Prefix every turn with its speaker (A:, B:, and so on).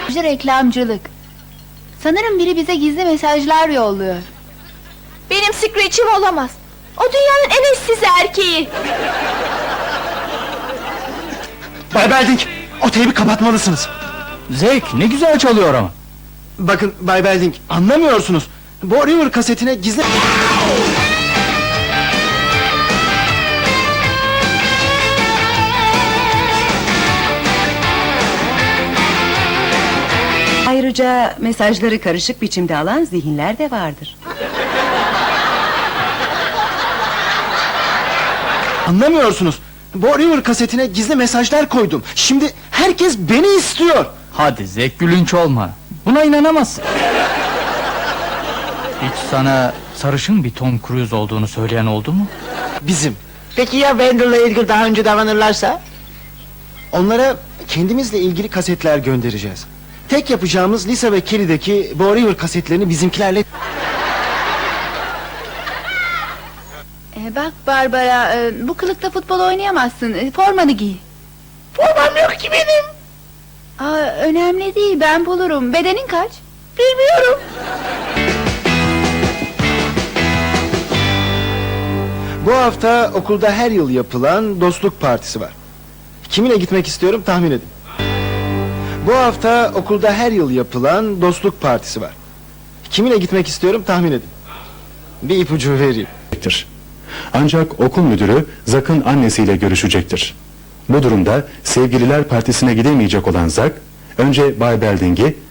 A: Reklamcılık. Sanırım biri bize gizli mesajlar yolluyor.
B: Benim Screech'im olamaz. O dünyanın en eşsiz erkeği.
C: Bay Belding, o teybi kapatmalısınız.
D: Zevk ne güzel çalıyor ama.
C: Bakın Bay Belding, anlamıyorsunuz. Bo River kasetine gizli...
E: Ayrıca mesajları karışık biçimde alan zihinler de vardır.
C: Anlamıyorsunuz. Bo River kasetine gizli mesajlar koydum. Şimdi herkes beni istiyor.
D: Hadi Zevk, gülünç olma. Buna inanamazsın. Hiç sana sarışın bir Tom Cruise olduğunu söyleyen oldu mu?
C: Bizim.
F: Peki ya Wendel'la ilgili daha önce davranırlarsa?
C: Onlara kendimizle ilgili kasetler göndereceğiz. Tek yapacağımız Lisa ve Kelly'deki Bo River kasetlerini bizimkilerle...
A: Bak Barbara, bu kılıkta futbol oynayamazsın. Formanı giy.
F: Formam yok ki benim.
A: Önemli değil, ben bulurum. Bedenin kaç?
F: Bilmiyorum.
C: Bu hafta okulda her yıl yapılan dostluk partisi var. Kiminle gitmek istiyorum tahmin edin. Bu hafta okulda her yıl yapılan dostluk partisi var. Kiminle gitmek istiyorum tahmin edin. Bir ipucu vereyim.
G: Ancak okul müdürü Zak'ın annesiyle görüşecektir. Bu durumda sevgililer partisine gidemeyecek olan Zak, önce Bay Belding'i